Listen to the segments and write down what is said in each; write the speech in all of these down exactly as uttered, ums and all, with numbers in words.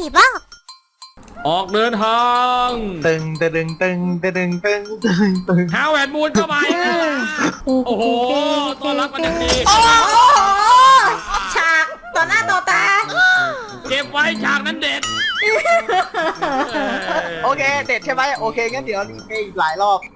บ้าออกเดินทางตึงตึงตึงตึงตึงตึงตึงฮาวเวิร์ดมูนเข้าไปโอ้โหต้อนรับกันอย่างดีโอ้โหฉากต่อหน้าต่อตาเก็บไว้ฉากนั้นเด็ดโอเคเด็ดใช่ไหมโอเคงั้นเดี๋ยวรีเพย์อีกหลายรอบ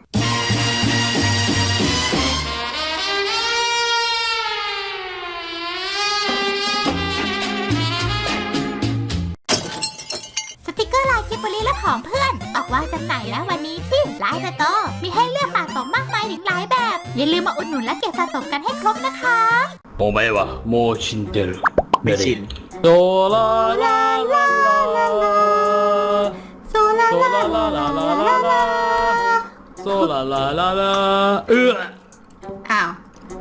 สติกเกอร์ลายคิปเบอรี่และของเพื่อนออกวางจำหน่ายแล้ววันนี้ที่ไลน์สโตร์มีให้เลือกสะสมมากมายถึงหลายแบบอย่าลืมมาอุดหนุนและเก็บสะสมกันให้ครบนะคะโมเมวะโมชินเดลไม่ชินโซลาลาลาลาลาโซลาลาลาลาลาลาลาโซลาลาลาลาเอื้ออ้าว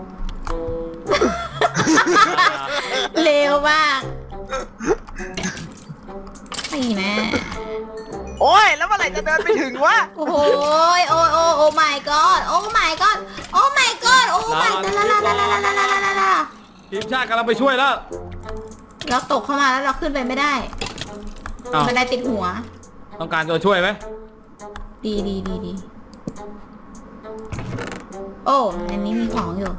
เร็วมากนี่แม่โอ้ยแล้วเมื่อไหร่จะเดินไปถึงวะโอ้โหโอ้โอ้โอ้ my god โอ้ my god โอ้ my god โอ้ my god ลาลาลาลาลาลาลาลาลาทีมชาติกำลังไปช่วยแล้วเราตกเข้ามาแล้วเราขึ้นไปไม่ได้บันไดติดหัวต้องการตัวช่วยไหมดีดีดีดีโอ้อันนี้มีของอยู่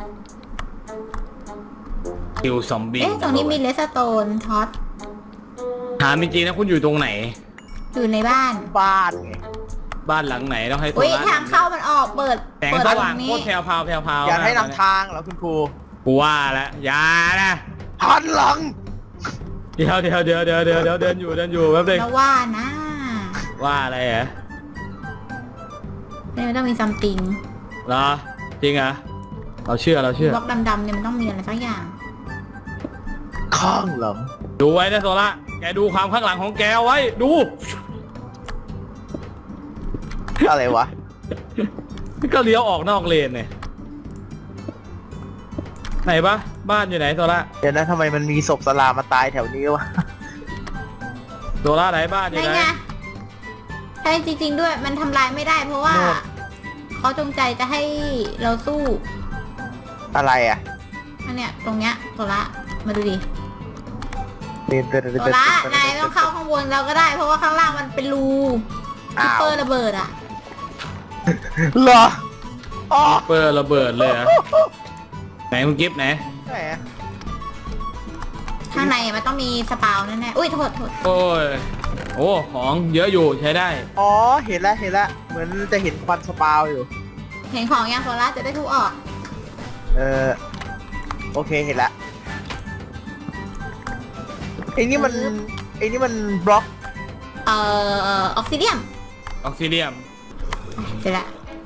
คิวซอมบี้เอ๊ะตรงนี้มีเลสโตนท็อตถามจริงๆนะคุณอยู่ตรงไหนอยู่ในบ้านบ้านบ้านหลังไหนต้องให้โซล่าทางเข้ามันออกเปิดแสงสว่างโคตรแผ่วพาวแผ่วพาวอย่าให้นำทางแล้วคุณครูกูว่าแล้วอย่านะหันหลังเดี๋ยวเดี๋ยวเดี๋ยวเดี๋ยวเดี๋ยวเดี๋ยวเดินอยู่เดินอยู่แป๊บนึงแล้วว่านะว่าอะไรเหรอเนี่ยมันต้องมีซัมติงเหรอจริงเหรอเราเชื่อเราเชื่อบล็อกดำๆเนี่ยมันต้องมีอะไรสักอย่างข้างหลังดูไว้นะโซล่าแกดูความข้างหลังของแกไว้ดูอะไรวะก็เลี้ยวออกนอกเลนเนี่ยไหนปะบ้านอยู่ไหนโซล่าเดี๋ยวนะทำไมมันมีศพสลามาตายแถวนี้วะโซล่าไหนบ้านอยู่ไหนใช่จริงๆด้วยมันทำลายไม่ได้เพราะว่าเขาจงใจจะให้เราสู้อะไรอ่ะอันเนี้ยตรงเนี้ยโซล่ามาดูดิโซล่านายต้องเข้าข้างบนเราก็ได้เพราะว่าข้างล่างมันเป็นรูคิปเปอร์ระเบิดอ่ะเหรอคิปเปอร์ระเบิดเลยอะไหนคุณกิฟต์ไหนข้างในมันต้องมีสปาวแน่ๆอุ้ยโทษโทษโอ้ยโอ้ของเยอะอยู่ใช้ได้อ๋อเห็นแล้วเห็นแล้วเหมือนจะเห็นควันสปาวอยู่เห็นของยังโซล่าจะได้ทุกออกเออโอเคเห็นแล้วไอ้นี่มันไอ้นี่มันบล็อกเอ่อออกซิเดียมออกซิเดียมเสร็จละ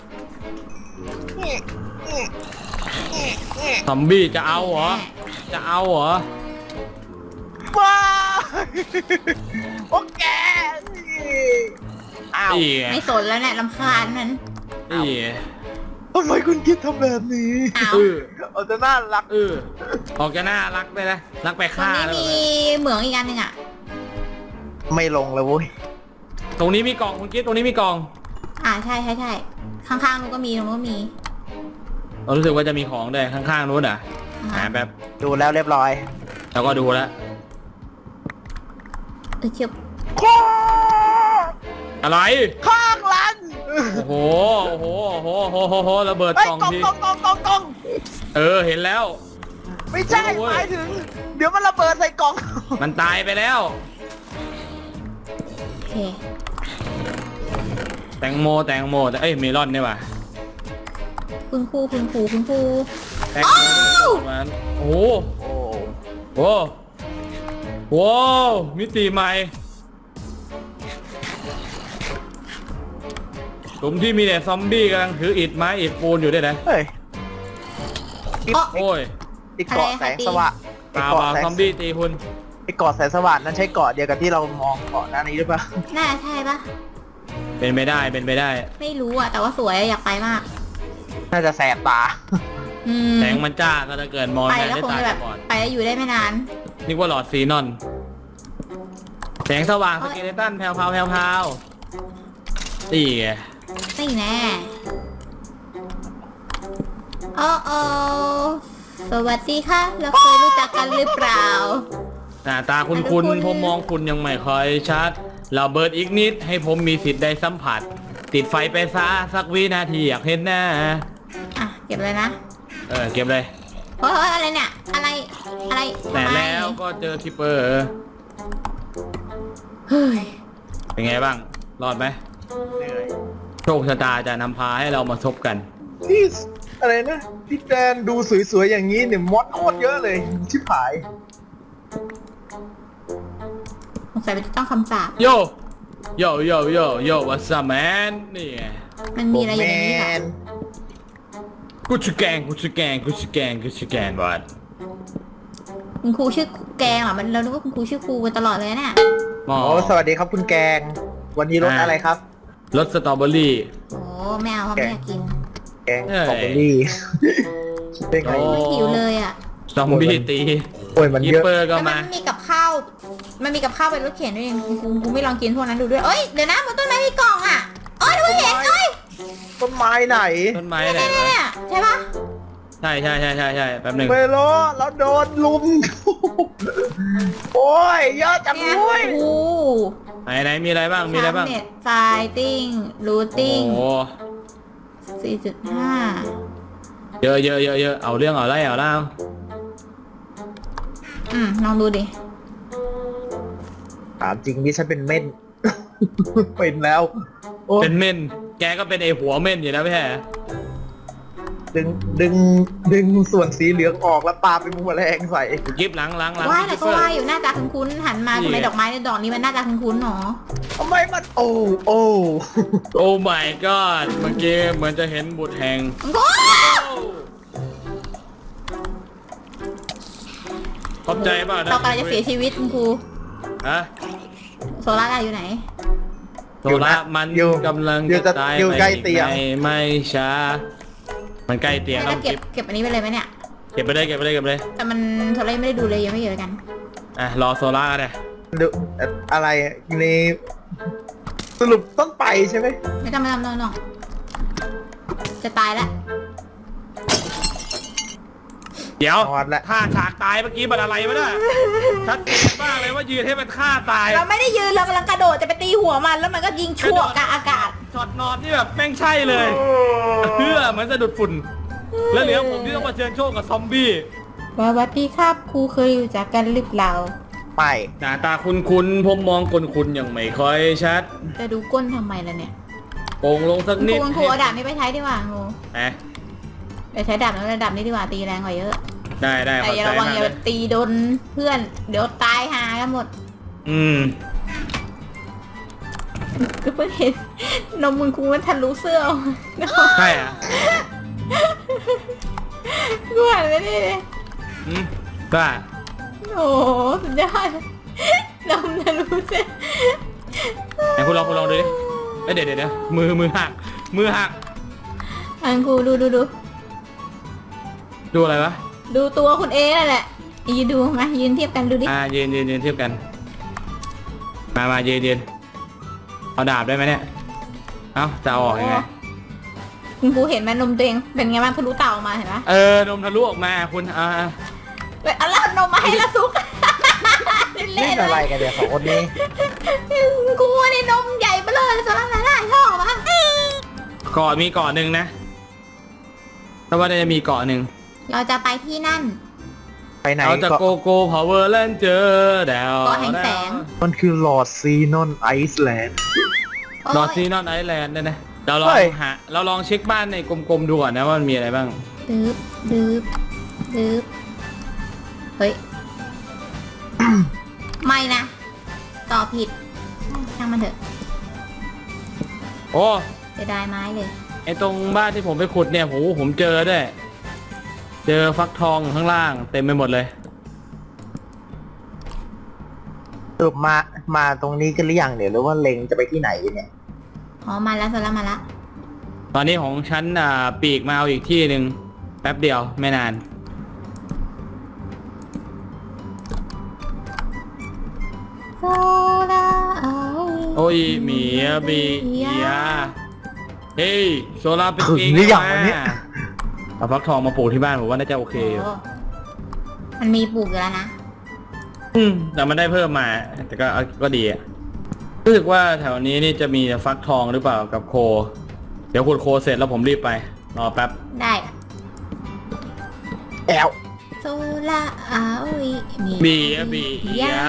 ซอมบี้จะเอาเหรอจะเอาเหรอว้าโอเคอ้าวไม่สนแล้วเนี่ยรำคาญมันนี่ทำไมคุณคิดทำแบบนี้เออเอาจะน่ารักเออออกจะน่ารักไปนะรักไปฆ่าแล้วมีเหมืองอีกอันหนึ่งอ่ะไม่ลงเลยเว้ยตรงนี้มีกล่องคุณกิ๊ฟตรงนี้มีกล่องอ่าใช่ใช่ใช่ข้างๆนู้นก็มีตรงนู้นก็มีเรารู้สึกว่าจะมีของด้วยข้างๆนู้นอ่ะหาแบบดูแล้วเรียบร้อยแล้วก็ดูแล้วเออเชียวอะไรข้างหลังโอ้โหโอ้โหโอ้โหโอ้โหโอ้โหระเบิดกล่องทีกล่องกล่องกล่องกล่องเออเห็นแล้วไม่ใช่หมายถึงเดี๋ยวมันระเบิดใส่กล่องมันตายไปแล้วโอเคแตงโมแตงโมแต่เอ้ยเมลอนเนี่ยว่ะคุณครูคุณครูคุณครูแตงโมมันโอ้โหโอ้โหมิติใหม่หลุมที่มีแต่ซอมบี้กำลังถืออิฐไม้อิฐปูนอยู่ด้วยนะเฮ้ยโอ้ยไอ้เกาะแสงสว่างเปล่าเปล่าซอมบี้ตีคุณไอ้เกาะแสงสว่างนั้นใช่เกาะเดียวกับที่เรามองเกาะนั้นนี้หรือเปล่าน่าใช่ปะเป็นไปได้เป็นไปได้ไม่รู้อ่ะแต่ว่าสวยอยากไปมากน่าจะแสบตาแสงมันจ้าก็จะเกิดมองได้ตาบอดไปแล้วอยู่ได้ไม่นานนึกว่าหลอดซีนอนแสงสว่างสเกเลตันแผ่วพาวแผ่วพาวตีไงนี่แน่โอ้โอสวัสดีค่ะเราเคยรู้จักกันหรือเปล่าหน้าตาคุณคุณผมมองคุณยังไม่ค่อยชัดเราเบิร์ดอีกนิดให้ผมมีสิทธิ์ได้สัมผัส ติดไฟไปซะสักวินาทีอยากเห็นหน้าอ่ะเก็บเลยนะเออเก็บเลยเฮ้ยอะไรเนี่ยอะไรอะไรแต่ทำไมแล้วก็เจอคิปเปอร์เฮ้ยเป็นไงบ้างรอดไหมเหนื่อยโชคชะตาจะนำพาให้เรามาซบกันนี่อะไรนะพี่แดนดูสวยๆอย่างนี้เนี่ยมอดโคตรเยอะเลยชิบหายสงสัยมันจะต้องคำสาปโยโยโยโยโยวัสแมนนี่ไงมันมีอะไรอยู่ในนี้ค่ะแมนกูชื่อแกงกูชื่อแกงกูชื่อแกงกูชื่อแกงบอดคุณครูชื่อแกงเหรอมันเราคิดว่าคุณครูชื่อครูกันตลอดเลยเนี่ยหมอโอ้สวัสดีครับคุณแกง วันนี้รสอะไรครับรสสตรอเบอรี่โอ้ไม่เอาเพราะไม่อยากกินแกงสตรอเบอรี่คิดได้ไงโอ้ไม่หิวเลยอ่ะซอมบี้ตีโอ้ยมันคิปเยอะเปอร์ก็แล้วมัมานมีกับข้าวมันมีกับข้าวเป็นรถเข็นด้วยเองกูกูไม่ลองกินพวกนั้นดูด้วยเอ้ยเดี๋ยวนะบนต้นไม้มีกล่องอ่ะเอ้ยดูเห็นเอ้ยต้นไม้ไหนต้นไม้ไหนเนี่ยวะเนี่ยใช่ปะใช่ใช่ใช่ใช่ใช่แป๊บหนึงเมโลแล้วโดนลุม โอ้ยเยอะจังเนี่ยเลยโอ้ไหนไหนมีอะไรบ้างมีอะไรบ้างเน็ตไฟติ้งรูโอ้ติ้งโหสี่จุดห้าเยอะเยอะเยอะเยอะเอาเรื่องเอาไรเอาเล่าอืมลองดูดิถามจริงนี่ฉันเป็นเม่น เป็นแล้วโอ้เป็นเม่นแกก็เป็นไอหัวเม่นอยู่แล้วไม่ใช่เหรอดึงดึงดึงส่วนสีเหลืองออกแล้วปาเป็นแมลงใส่กิฟหลังหลังหลังว่าแต่คิปก็เปอร์ว่าอยู่หน้าตาคุ้นๆหันมานี่ทำไมดอกไม้ในดอกนี้มันหน้าตาคุ้นๆหนอทำไมมันโอ้โอ้โอ้ my god เมื่อกี้เหมือนจะเห็นบุตรแห่งโอ้ยขอบใจเปล่านะเรากำลังจะเสียชีวิตคุณครูฮะโซล่าได้อยู่ไหนโซล่ามันกำลังจะตายอยู่ไปใกล้เตียงไม่ไม่ช้า มันใกล้เตียงแล้วต้องเก็บเก็บเก็บอันนี้ไปเลยไหมเนี่ยเก็บไปเลยเก็บไปเลยเก็บไปเลยแต่มันโซล่ายังไม่ได้ดูเลยยังไม่เยอะกันอ่ะรอโซล่าเลยดูอะไรนี่สรุปต้องไปใช่ไหมไม่ต้องไม่ต้องไม่ต้องไม่ต้องจะตายแล้วเดี๋ยวนอนละท่าฉากตายเมื่อกี้มันอะไรวะเนี่ยชัดเจนมากเลยว่ายืนให้มันฆ่าตายเราไม่ได้ยืนเรากำลังกระโดดจะไปตีหัวมันแล้วมันก็ยิงชั่วกลางอากาศช็อตนอนนี่แบบแม่งใช่เลยเพื่อเหมือนสะดุดฝุ่น แล้วเหลือผมที่ต้องมาเชิญโชคกับซอมบี้สวัสดีครับครูเคยรู้จักกันหรือเปล่าไปหน้าตาคุณคุณผมมองคนคุณยังไม่ค่อยชัดจะดูก้นทำไมล่ะเนี่ยโป่งลงสักคุณคนิรูดคุณครูเอาดาบนี้ไปใช้ดีกว่าครูนะไปใช้ดาบแล้วดาบนี้ดีกว่าตีแรงกว่าเยอะได้ได้แต่ขอบอย่าใจระวังมากอย่าเลไปยตีโดนเพื่อน เดี๋ยวตายหากันหมดอืมก็เพิ่งเห็นนมมึงครูมันทะลุเสื้อออกมาใช่อ่ะกูหันไปนี่เลยอืมก็โอ้โหสุดยอดนมทะลุเสื้อไหนคุณลองคุณลองดูดิเอ้ยเดี๋ยวเดี๋ยวเดี๋ยวมือมือหักมือหักอันครูดูดูดูดูอะไรวะดูตัวคุณเอนั่นแหละยืนดูมายืนเทียบกันดูดิอ่ายืนยืนยืนเทียบกัน มามายืนยืนเอาดาบได้ไหมเนี่ยเอ้าจะเอาออกยังไงคุณครูเห็นไหมนมตัวเองเป็นไงบ้างทะลุเต่าออกมาเห็นไหมเออนมทะลุออกมาคุณอ่าเว้ยเอาแล้วนมมาให้ละซุก เล่เล่นนเลอะไรยกันเดี๋ยวสองคนนี้ครูนี่นมใหญ่ไปเลยสำหรับหลายๆช่องอะเกาะมีเกาะหนึ่งนะถ้าว่าจะมีเกาะหนึ่งเราจะไปที่นั่นไปไหนเราจะก็โกโก้พาวเวอร์แลนด์เจอแดวเกาะแห่งแสงมันคือลอร์ดซีนอนไอซ์แลนด์โอ้ยนอร์ซีนอนไอแลนด์เนี่ยนะเราลองเฮ้ยหาเราลองเช็คบ้านในกลมๆดูก่อนนะว่ามันมีอะไรบ้างดืบดืบดืบเฮ้ย ไม่นะต่อผิดช่างมันเถอะโอ้จะได้ไม้เลยไอตรงบ้านที่ผมไปขุดเนี่ยโหผมเจอด้วยเจอฟักทองข้างล่างเต็มไปหมดเลยสรุปมา มาตรงนี้กันหรือยังเดี๋ยวหรือว่าเล็งจะไปที่ไหนเนี่ยอ๋อมาแล้วโซล่ามาแล้วตอนนี้ของฉันอ่าปีกมาเอาอีกที่หนึ่งแป๊บเดียวไม่นานโซล่าเอาโอ้ยเมียบีเอียเฮ้ยโซลาเป็นถึงเก่งหรือยังมาวะเนี่ยเอาฟักทองมาปลูกที่บ้านผมว่าน่าจะโอเคอยู่โอ้มันมีปลูกอยู่แล้วนะอืมแต่มันได้เพิ่มมา แต่ก็ก็ดีอะรู้สึกว่าแถวนี้นี่จะมีฟักทองหรือเปล่ากับโค เดี๋ยวขุดโคเสร็จแล้วผมรีบไปรอแป๊บได้แอลโซล่าอาวิมีบีอะบียา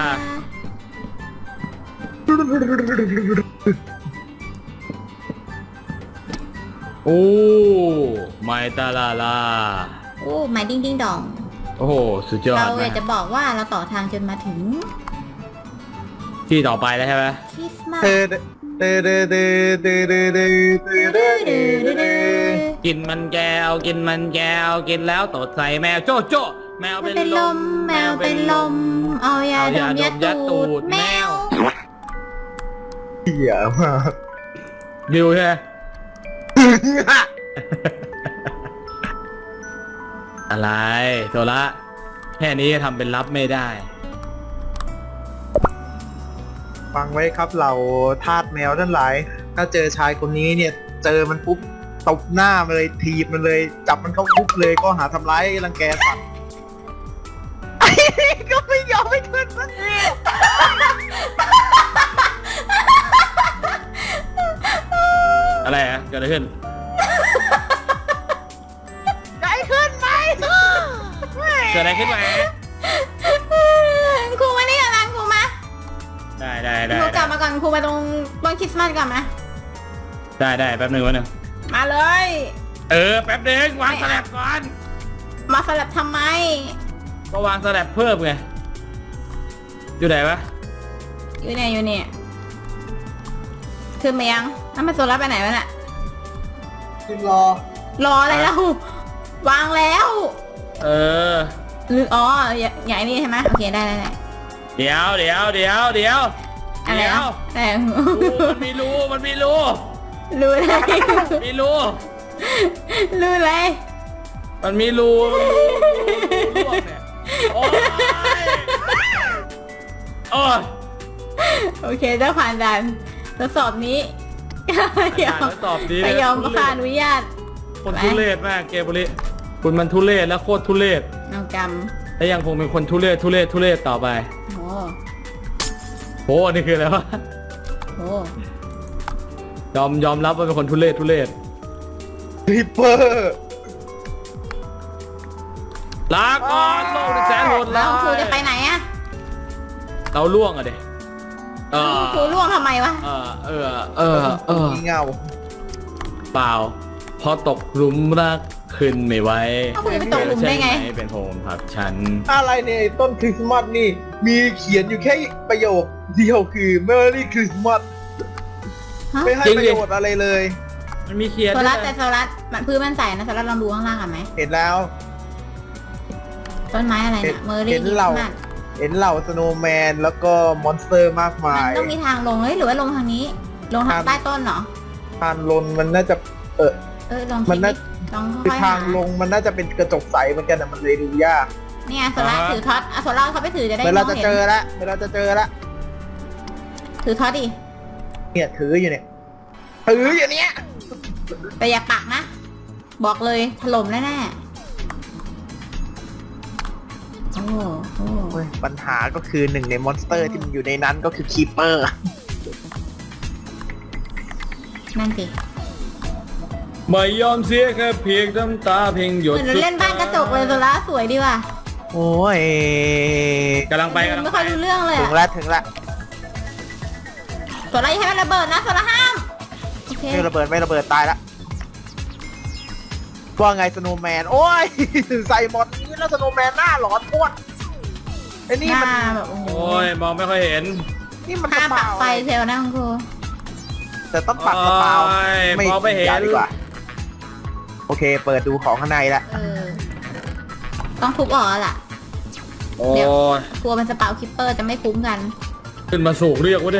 โอ้ไมตาลาลาโอ้ไม้ดิ้งดิ้งดองโอ้โหสุดยอดเราอมายากกจะบอกว่าเราต่อทางจนมาถึงที่ต่อไปแล้วใช่ไหมคริสต์มาสเตอเตอเตอเตอเตอเตอเตอเตอเตอเตอเตอกินมันแก้วกินมันแก้วกินแล้วตดใส่แมวโจ้โจ้แมวมันเป็เป็น นลลมมแมวเป็นลม เอายาเอาดยาม ดยัดมยัดตูตูดดแมวเหี้ยมากดิวใช่ไหม อะไรโซละแค่นี้ทำเป็นรับไม่ได้ฟังไว้ครับเราทาสแมวทั้งหลาย ถ้าเจอชายคนนี้เนี่ย เจอมันปุ๊บตบหน้ามันเลยทีบมันเลย จับมันเข้าคุกเลยก็หาทำร้ายรังแกสัตว์ ไอ้นี่ก็ไม่ยอมไม่ขึ้นสักทีอะไรอะเกิดอะไรขึ้นได้ขึ้นไหมเกิดอะไรขึ้นมาครูมานี่ก่อนนะครูมาได้ได้ได้ครูกลับมาก่อนครูมาตรงต้นคริสต์มาสก่อนนะได้ได้แป๊บหนึงวะหนึ่งมาเลยเออแป๊บหนึงวางสแลบก่อนมาสลับทำไมก็วางสแลบเพิ่มไงอยู่ไหนวะอยู่เนี่ยอยู่เนี่ยขึ้นมายังน้ำมันโซล่าไปไหนวะน่ะขึ้นรอรออะไรแล้ววางแล้วเออหรืออ๋ออย่าอย่าไอ้นี่ใช่ไหมโอเคได้ได้ได้เดี๋ยวเดี๋ยวเดี๋ยวเดี๋ยวอะไรเดี๋ยวนะแต่รูมันมีรูมันมีรูรู้เลยมีรูรู้เลยมันมีรูมันมีรูร่วงเนี่ยโอ้ยโอ้ยโอเคเจ้าผ่านด่านทดสอบนี้ ยอมตอบดีไปยอมผ่านอนุญาตคนทุเรศมากเกบุริคุณมันทุเรศและโคตรทุเรศเอากรรมและยังคงเป็นคนทุเรศทุเรศทุเรศต่อไปโอ้โหนี่คืออะไรวะโหยอมยอมรับว่าเป็นคนทุเรศทุเรศริปเปอร์ลาก่อนโลกที่แสนโหดแล้ร้าวย ครูจะไปไหนอะเราล่วงอะเด็เออครูล่วงทำไมวะเออเออเออเออมีเงาเปล่าพอตกหลุมรักขึ้นไม่ไหวเอาคุณจะไปตกหลุมได้ไงใช่หเป็นโฮมผักฉันอะไรเนี่ยไอ้ต้นคริสต์มาสนี่ มีเขียนอยู่แค่ประโยคเดียวคือ Merry Christmas ฮะไม่ให้จริงปดิระโยชน์อะไรเลยมันมีเขียนโซด้วยลัสนะแต่โซลัสมันพื้นมันใสนะโซลัสลองดูข้างล่างกันไหมเห็นแล้วต้นไม้อะไรเห็นะนเมอร์รี่เห็นคริสเราต์มาสเห็นเหล่าสโนว์แมนแล้วก็มอนสเตอร์มากมายมันต้องมีทางลงเฮ้ยหรือว่าลงทางนี้ ลงทางทางใต้ต้นเหรอทางลงมันน่าจะเออเออลองมัคิดนน่าดิลองคือค่อยๆทาหางลงมันน่าจะเป็นกระจกใสเหมือนกันแต่มันเลยดูยากเนี่ยโซลัสถือท็อตอ่ะโซลัสเขาไปถือจะได้เวมลาองจะเห็นเจอละเวลาจะเจอละถือท็อตดิเนี่ยถืออยู่เนี่ยถืออยู่เนี่ยแต่อย่าปักนะ บอกเลยถล่มแน่ๆโอ้โหโอ้ยปัญหาก็คือหนึ่งในมอนสเตอร์ที่มันอยู่ในนั้นก็คือคีเปอร์นั่นสิไม่ยอมเสียแค่เพียงน้ำตาเพียงหยเหดมือนเราเล่นบ้านกระจกเลยโซลัสสวยดีว่ะโอ้ยกำลังไปกำลังไม่ไปค่อยรู้เรื่องเลยถึงอะละถึงละโซลัสอย่าให้มันระเบิดนะโซลัสห้ามโอเคไม่ระเบิดไม่ระเบิดตายละว่าไงสโนว์แมนโอ้ย ใส่หมดนี้แล้วสโนว์แมนหน้าหลอนพ้วนไอ้นี่หมันน้าแบบโอ้โหโอ้ยมองไม่ค่อยเห็นนี่มันห้ามกระปักเป๋าไฟเทลนะคุณครูแต่ต้องปักกระเป๋าโอ้ยมองไม่เห็นอย่าดีกว่าโอเค เปิดดูของข้างในละเออ ต้องทุบออกแล้วล่ะโอ้เดี๋ยวยกลัวมันสเปาคิปเปอร์จะไม่คุ้มกันขึ้นมาสูงเรียกว่าดิ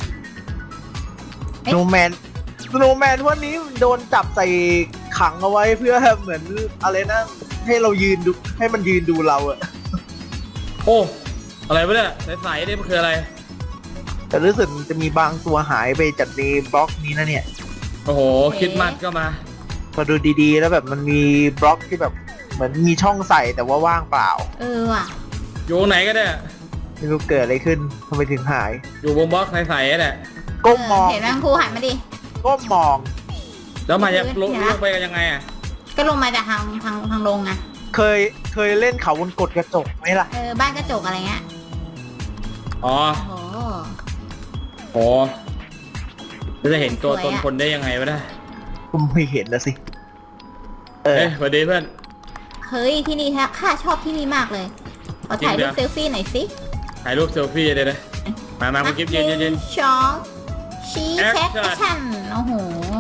สโนว์แมนสโนว์แมนวันนี้โดนจับใส่ขังเอาไว้เพื่อเหมือนอะไรนะให้เรายืนดูให้มันยืนดูเราอะโอ้อะไรวะเนี่ยใสๆนี่มันคืออะไรแต่รู้สึกจะมีบางตัวหายไปจากในบล็อกนี้นะเนี่ยโอ้โหเอ๊ะคิดมัดก็มาพอดูดีๆ แล้วแบบมันมีบล็อกที่แบบเหมือนมีช่องใส่แต่ว่าว่างเปล่าเออว่ะอยู่ตรงไหนก็ได้ไม่รู้เกิดอะไรขึ้นทำไมถึงหายอยู่บนบล็อกใสๆนั่นแหละก้มมองเห็นไหมครูหันมาดิก้มมองแล้วมันจะลงเห็นไหมลงไปกันยังไงอ่ะก็ลงมาจากทางทางทางลงไงเคยเคยเล่นเขาวงกดกระจกไหมล่ะเออบ้านกระจกอะไรเงี้ยอ๋อโอ้โหโอ้แล้วจะเห็นตัวสวยตนอะคนได้ยังไงวะเนี่ยผมไม่เห็นนะสิ เออเอ้ยสวัสดีเพื่อนเฮ้ยที่นี่แท้ข้าชอบที่นี่มากเลยขอถ่ายจริรูงปเหรอเซลฟี่หน่อยสิถ่ายรูปเซลฟี่เลยนะมามาคุณกิฟต์ยืนยืนยืนสองชี้เช็ค Action แอคชั่นโอ้โห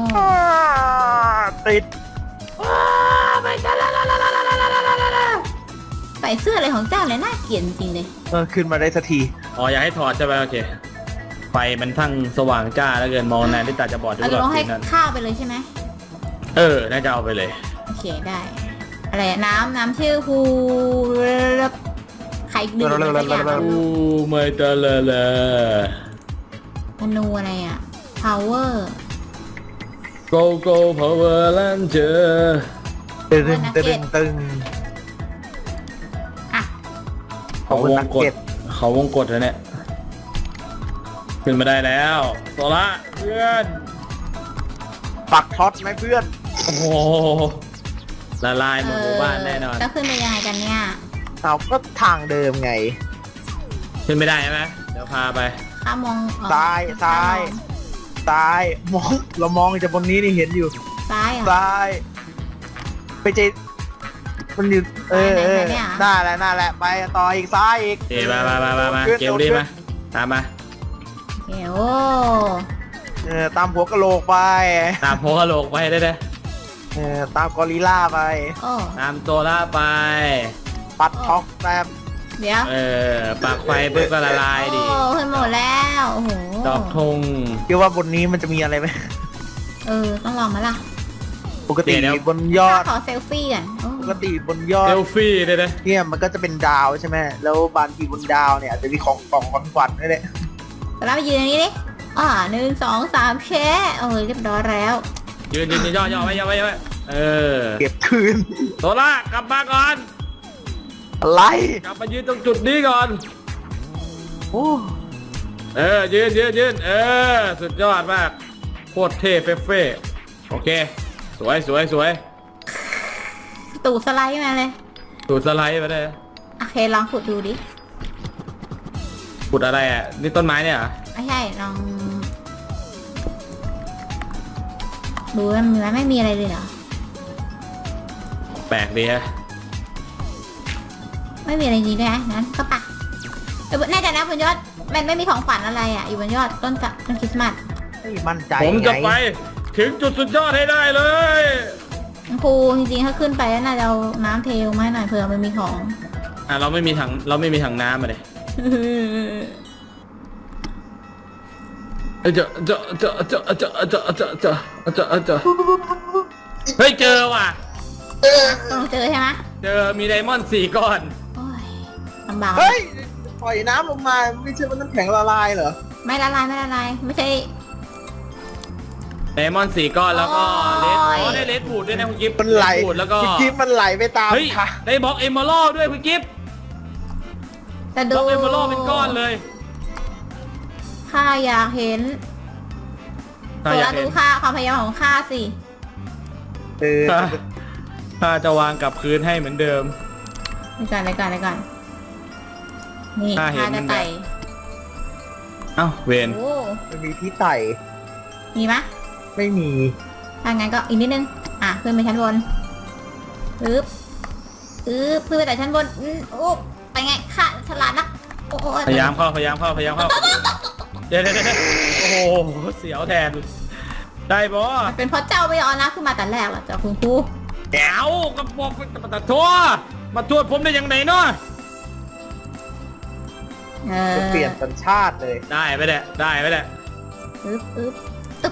ติดใส่เสื้ออะไรของเจ้าเลยน่าเกลียดจริงๆเลยเออขึ้นมาได้สักทีอ๋ออยากให้ถอดใช่ไหมโอเค ไฟมันทั้งสว่างจ้าแล้วเกินมองนานที่ตาจะบอดทุเรากจะรลอบงให้ทีนั้นข้าวไปเลยใช่ไหมเออ น่าจะเอาไปเลยโอเคได้ อะไรอะน้ำน้ำชื่อฮูใครดื่มอะไรสักอย่างอะอู้ไม่ตะละละธนูอะไรอ่ะ power go go power ranger ตึงตึงตึงอ่ะขอบคุณนักเก็ตเขาวงกดแล้วเนี่ย ขึ้นมาได้แล้วโซล่าเพื่อนปักท็อตไหมเพื่อนโอ้โหละลายหมดหมู่บ้านแน่นอนแล้วขึ้นไปยังไงกันเนี่ยเอาก็ทางเดิมไงขึ้นไม่ได้ใช่ไหมเดี๋ยวพาไปข้ามองอ๋อซ้ายซ้าย ซ้ายมองเรามองจากบนนี้นี่เห็นอยู่ซ้ายเหรอซ้าย ไปเจมันอยู่เออเออไหนๆเนี่ยน่าแหละน่าแหละไปต่ออีกซ้ายอีกเอ๋มามามามามาขึ้นเกลลี่มา ตามมาเดี๋ยวเออตามหัวกะโหลกไปตามโพกะโหลกไปได้เลยเออตามกอริลล่าไปโอ้ตามโซล่าไปปัดท็อกแต้มเดี๋ยวเออ ปากไฟปุ๊บก็ละลายดิโอ้ขึ้นหมดแล้วโอ้โหดอกธงคิดว่าบนนี้มันจะมีอะไรไหมเออต้องลองมาล่ะปกติเดี๋ยวบนยอดขอเซลฟี่ก่อนโอ้ปกติบนยอดเซลฟี่ได้เลยเนี่ยมันก็จะเป็นดาวใช่ไหมแล้วบางทีบนดาวเนี่ยอาจจะมีของกล่องของขวัญด้วยแหละแต่เราไปยืนตรงนี้ดิอ่าหนึ่งสองสามแชะเออเรียบร้อยแล้วยืนยืนยืนย่อย่อไว้ย่อไว้ย่อไว้เออเก็บคืนโซล่ากลับมาก่อนอะไรกลับมายืนตรงจุดนี้ก่อนโอ้เออ ยืนยืนยืนเออ สุดยอดมาก โคตรเท่เฟ้เฟ้โอเค สวยสวยสวยตูดสไลด์มาเลยสูดสไลด์มาได้โอเคลองขุดดูดิขุดอะไรอ่ะ นี่ต้นไม้เนี่ยเหรอไม่ใช่ลองดูมันมันไม่มีอะไรเลยเหรอแปลกดีฮะไม่มีอะไรจริงด้วยนะงั้นก็ปะเออแน่ใจนะบนยอดมันไม่มีของขวัญอะไรอ่ะ อยู่บนยอดต้นจะต้นคริสต์มาสไม่มั่นใจผมจะไงไปถึงจุดสุดยอดให้ได้เลยครูจริงๆถ้าขึ้นไปแล้วน่าจะเอาน้ำเทลมาให้หน่อยเผื่อมันมีของอ่ะเราไม่มีถังเราไม่มีถังน้ำมาเลยเอ้ยเจอเจอเจอเจอเจอเจอเจอเจอเจอเจอเฮ้ยเจอว่ะต้องเจอใช่ไหมเจอมีไดมอนด์สี่ก้อนโอ้ยลำบากเฮ้ยปล่อยน้ำลงมาไม่ใช่ว่าน้ำแข็งละลายเหรอไม่ละลายไม่ละลายไม่ใช่ไดมอนด์สี่ก้อนแล้วก็เลสโอ้ยอ๋อได้เลสบูดด้วยนะคุณกิฟต์มันไหลเลสบูดแล้วก็คุณกิ๊บมันไหลไปตามเฮ้ยค่ะได้บล็อกเอมเมอรัลด้วยคุณกิฟต์แต่บดูล็อกเอมเมอรัลเป็นก้อนเลยข้าอยากเห็นถ้าตัวอยาละกดูเห็นค่าความพยายามของข้าสิเออถ้าถ้าจะวางกลับคืนให้เหมือนเดิมเดี๋ยวก่อนเดี๋ยวก่อนเดี๋ยวก่อนนี่ข้าเห็นข้าจะไต่เอ้าเวนโอ้มันมีที่ไต่มีไหมไม่มีถ้างั้นก็อีกนิดนึงอ่ะขึ้นไปชั้นบนปึ๊บปึ๊บขึ้นไปแต่ชั้นบนอืมโอ้ไปไงข้าฉลาดนักโอ้โหพยายามเข้าพยายามเข้าพยายามเข้าเดี๋ยวเดี๋ยวเดี๋ยวโอ้โหเสียวแทน ได้บอมันเป็นเพราะเจ้าไม่เอานะขึ้นมาแต่แรกหรอจ้ะคุณครูแก้วกระบอกมาตัดทั่วมาตรวจผมได้ยังไงเนาะเออจะเปลี่ยนสัญชาติเลยได้ไปแหละได้ไปแหละปึ๊บปึ๊บตึ๊บ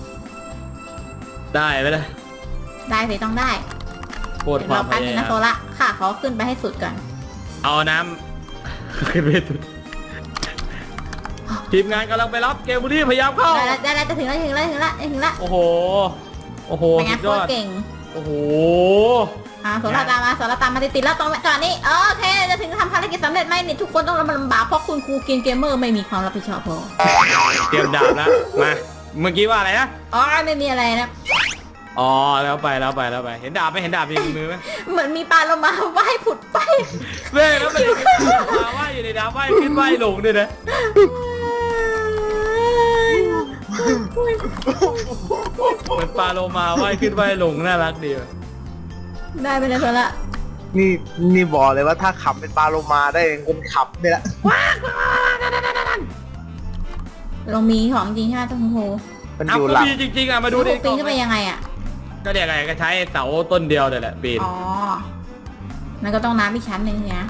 ได้ไปแหละได้สิต้องได้โคตรเดี๋ยวควาเรามพแป๊บนึยาง ยานะมโซละค่ะขอขึ้นไปให้สุดก่อนเอาน้ำ ขึ้นไปสุดทีมงานกำลังไปรับเกมบุรีพยายามเข้าได้แล้วได้แล้วจะถึงแล้วถึงแล้วถึงแล้วถึงแล้วโอ้โห โอ้โหเป็นไงสุดโคยอตรดเก่งโอ้โหทอ่าโซล่าตามมาโซล่าตามมาติดๆแล้วตรงจอดนี้โอเคจะถึงทำภารกิจสำเร็จไหมนี่ทุกคนต้องลำบากเพราะคุณครูเกมเกมเมอร์ไม่มีความรับผิดชอบพอเตรียมดาบแล้วมาเมื่อกี้ว่าอะไรนะอ๋อไม่มีอะไรนะอ๋อแล้วไปแล้วไปแล้วไปเห็นดาบไหมเห็นดาบในมือไหมเหมือนมีปลาโลมาว่ายผุดไปเว้ยแล้วมันมาว่ายอยู่ในน้ำว่ายขึ้นว่ายลงด้วยนะเหมือนปลาโลมาว่ายขึ้นว่ายลงน่ารักดีว่ะได้ไปเลยโซล่านี่นี่บอกเลยว่าถ้าขับเป็นปลาโลมาได้คนขับเนี่ยแหละลงมีของจริงใช่ไหมต้องโหมันเอาอยู่ก็หลังมีจริงๆอ่ะมาดูดิปีนขึ้นไปยังไงอ่ะก็เดี๋ยวไงก็ใช้เสาต้นเดียวเลยแหละปีนอ๋อนั่นก็ต้องน้ำอีกชั้นหนึ่งเนี่ย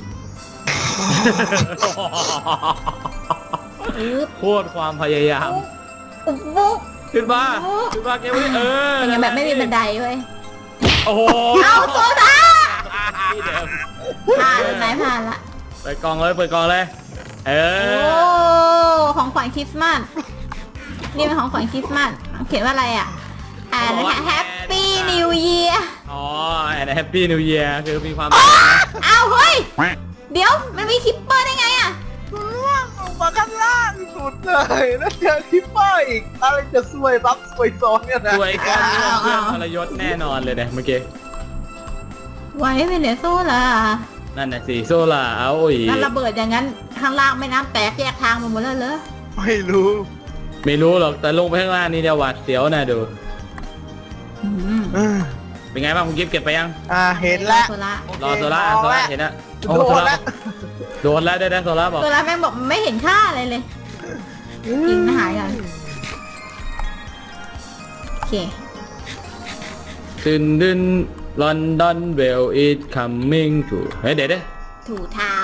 อึ๊บโคตรความพยายามอุ๊บบุ๊บขึ้นมาขึ้นมาเกมนี้เออเป็นไงแบบไม่มีบันไดเว้ยโอ้โหเอาโซดาที่เดิมผ่านแล้วไหนผ่านละเปิดกล่องเลยเปิดกล่องเลยเอโอ้อของขวัญคริสต์มาสนี่เป็นของขวัญคริสต์มาสเขียนว่าอะไรอ่ะอ่านนะคะ Happy New Year อ๋อแอนแฮปปี้นิวเยียร์คือมีความอ้าวเฮ้ยเดี๋ยวมันมีคิปเปอร์ได้ไงอ่ะล่างลงมาข้างล่างสุดเลยแล้วเจอคิปเปอร์อีกอะไรจะซวยรับซวยซ้อนเนี่ยนะสวยก้อนนี้เพื่อนทรยศแน่นอนเลยเนี่ยเมื่อกี้ไว้เป็นเดโซ่ล่ะนั่นน่ะสิโซล่าเอาอีกนั่นระเบิดอย่างนั้นข้างล่างแม่น้ำแตกแยกทางหมดแล้วเหรอไม่รู้ไม่รู้หรอกแต่ลงไปข้างล่างนี่เดี๋ยวหวาดเสียวนะดูอืมเออเป็นไงบ้างคุณกิฟต์เก็บไปยังอ่าเห็นแล้วโซล่ารอโซล่าโซล่าเห็นนะโอ้โดโซนล่าแล้วโดนแล้วได้ได้โซล่าบอกโซล่าแม่งบอกไม่เห็นค่าอะไรเลยกินอาหารกันโอเคดึนดึนลอนดอนเวลอีทคัมมิ่งทูเฮ้ยเดี๋ยวเดี๋ยวถูเท้า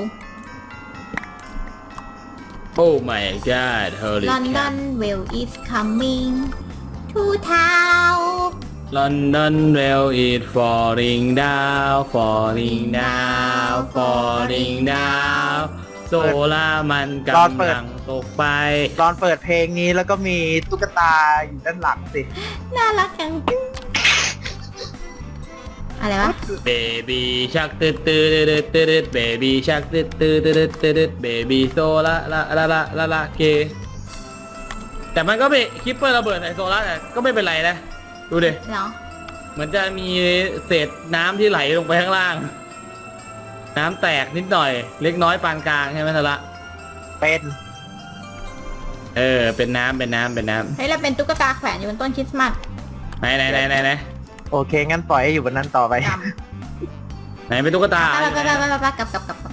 โอ้ my god holy London well is coming to town London well is falling down falling down falling down โซล่ามันกำลังตกไปตอนเปิดเพลงนี้แล้วก็มีตุ๊กตาอยู่ด้านหลังสิน่ารักจังอะไรวะ Baby shark ตืดตืดตืดตืด Baby shark ตืดตืดตืดตืด Baby โซล่าละละละละละเกแต่มันก็ไม่คิปเปอร์ระเบิดใส่โซล่าแต่ก็ไม่เป็นไรนะดูดิเหรอเหมือนจะมีเศษน้ำที่ไหลลงไปข้างล่าง น้ำแตกนิดหน่อย เล็กน้อยปานกลางใช่ไหมทะละเป็นเออเป็นน้ำเป็นน้ำเป็นน้เฮ้ยเราเป็นตุ๊กตาแขวนอยู่บนต้นคริสต์มาสำไหนไหนไหนไหนไหนโอเคงั้นปล่อยให้อยู่บนนั้นต่อไปจไหนเป็นตุ๊กตาำไปไปไปไปไปกลับกลับกลับ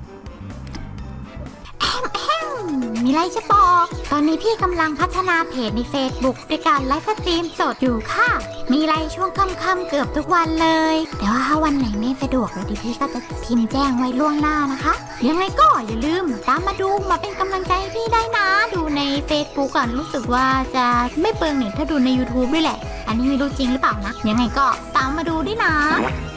มีอะไรจะบอก ตอนนี้พี่กำลังพัฒนาเพจใน Facebook ด้วยการไลฟ์สตรีมสดอยู่ค่ะ มีไลฟ์ช่วงค่ำๆเกือบทุกวันเลย แต่ว่าถ้าวันไหนไม่สะดวกเดี๋ยวพี่ก็จะพิมพ์แจ้งไว้ล่วงหน้านะคะ ยังไงก็อย่าลืมตามมาดูมาเป็นกำลังใจให้พี่ได้นะ ดูใน Facebook ก่อนรู้สึกว่าจะไม่เปลืองเน็ตถ้าดูใน YouTube ด้วยแหละ อันนี้ไม่รู้จริงหรือเปล่านะ ยังไงก็ตามมาดูด้วยนะ